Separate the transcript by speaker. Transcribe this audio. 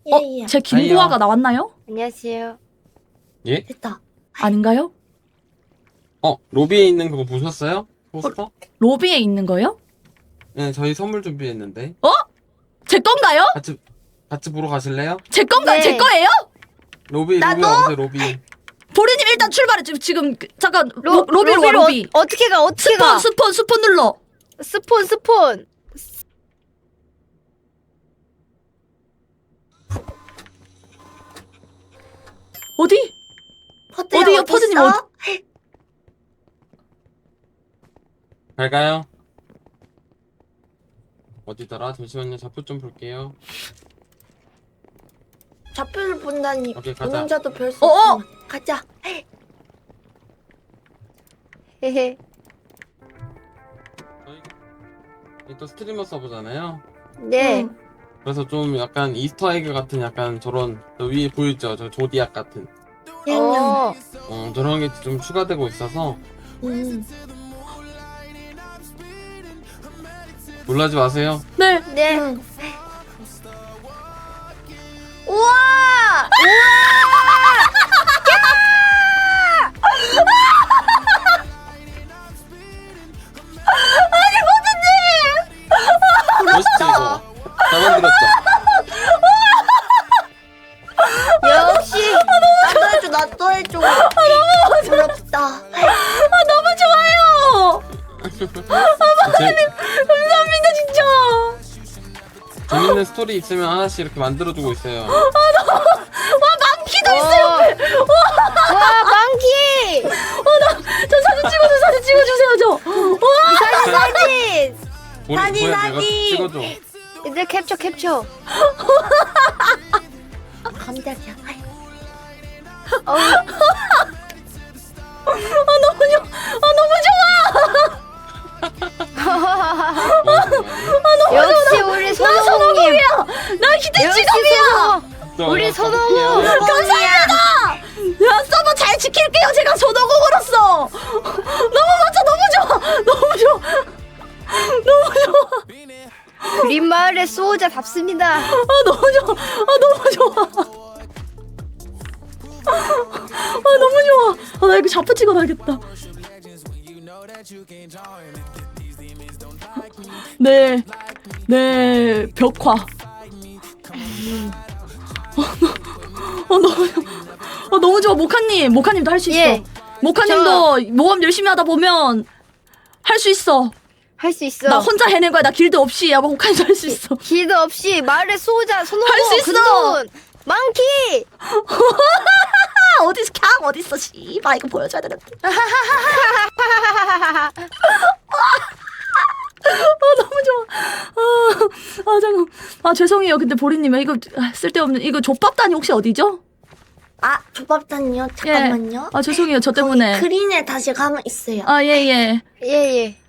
Speaker 1: 예.
Speaker 2: 제 김고아가 나왔나요?
Speaker 3: 안녕하세요.
Speaker 4: 예?
Speaker 1: 됐다.
Speaker 2: 아닌가요?
Speaker 4: 로비에 있는 그거 보셨어요? 포스터?
Speaker 2: 로비에 있는 거요?
Speaker 4: 네, 저희 선물 준비했는데.
Speaker 2: 제 건가요?
Speaker 4: 같이 보러 가실래요?
Speaker 2: 제 건가요?
Speaker 3: 네.
Speaker 2: 제 거예요?
Speaker 4: 로비
Speaker 1: 나도?
Speaker 4: 와보세요, 로비.
Speaker 2: 보리님 일단 출발해. 지금 잠깐 로비로 와, 로비.
Speaker 3: 어떻게 가? 어떻게 가?
Speaker 2: 스폰 눌러.
Speaker 3: 스폰.
Speaker 2: 어디?
Speaker 1: 퍼드야,
Speaker 2: 어디요,
Speaker 1: 어디
Speaker 2: 퍼드님
Speaker 1: 있어?
Speaker 4: 갈까요? 어디더라? 잠시만요, 좌표 좀 볼게요.
Speaker 1: 좌표를 본다니.
Speaker 4: 오케이, 가자.
Speaker 1: 운전자도 별 수
Speaker 2: 어어!
Speaker 1: 없어. 가자.
Speaker 3: 헤헤.
Speaker 4: 저희 또 스트리머 서버잖아요.
Speaker 3: 네.
Speaker 1: 응.
Speaker 4: 그래서 좀 약간 이스터에그 같은 약간 저런 저 위에 보이죠? 저 조디악 같은
Speaker 1: 냥냥.
Speaker 4: 저런 게 좀 추가되고 있어서 놀라지 마세요.
Speaker 2: 네.
Speaker 3: 네.
Speaker 1: 응.
Speaker 3: 우와!
Speaker 4: 멋있지 이거? 잘 만들었죠?
Speaker 3: 역시
Speaker 1: 나도 해줘. 부럽다.
Speaker 2: 너무 좋아요. 감사합니다 진짜.
Speaker 4: 재밌는 스토리 있으면 하나씩 이렇게 만들어주고 있어요.
Speaker 2: 와 망키도 있어요.
Speaker 3: 와, 망키!
Speaker 2: 저 사진 찍어주세요 저. 와.
Speaker 3: 사진!
Speaker 1: 사진,
Speaker 4: 내가
Speaker 1: 사진.
Speaker 4: 찍어줘.
Speaker 3: 이제 캡처.
Speaker 1: 깜짝이야.
Speaker 2: 너무 좋아.
Speaker 3: 역시 우리 선호공님.
Speaker 2: 나 기대치감이야.
Speaker 3: 우리 선호공.
Speaker 2: 감사합니다. 야 서버 잘 지킬게요. 제가 손오공으로서. 너무 멋져. 너무 좋아.
Speaker 3: 그린 마을의 수호자답습니다.
Speaker 2: 너무 좋아. 너무 좋아. 나 이거 좌표 찍어놔야겠다. 네, 벽화. 너무 좋아. 모카님도 할 수 있어.
Speaker 3: 예.
Speaker 2: 모카님도 모험 열심히 하다 보면 할 수 있어.
Speaker 3: 할 수 있어.
Speaker 2: 나 혼자 해낸 거야. 나 길드 없이. 모카님도 할 수 있어.
Speaker 3: 길드 없이 마을의 수호자 선호공.
Speaker 2: 할수 있어.
Speaker 3: 근돈 망키.
Speaker 2: 어디서 캬 어딨어 씨발 이거 보여줘야 되는데. 너무 좋아. 잠깐. 죄송해요. 근데 보리님 이거 쓸데없는 이거 족밥단이 혹시 어디죠?
Speaker 1: 아, 조밥단요? 잠깐만요.
Speaker 2: 죄송해요. 저 때문에.
Speaker 1: 그린에 다시 가면 있어요.
Speaker 2: 예.
Speaker 3: 예예.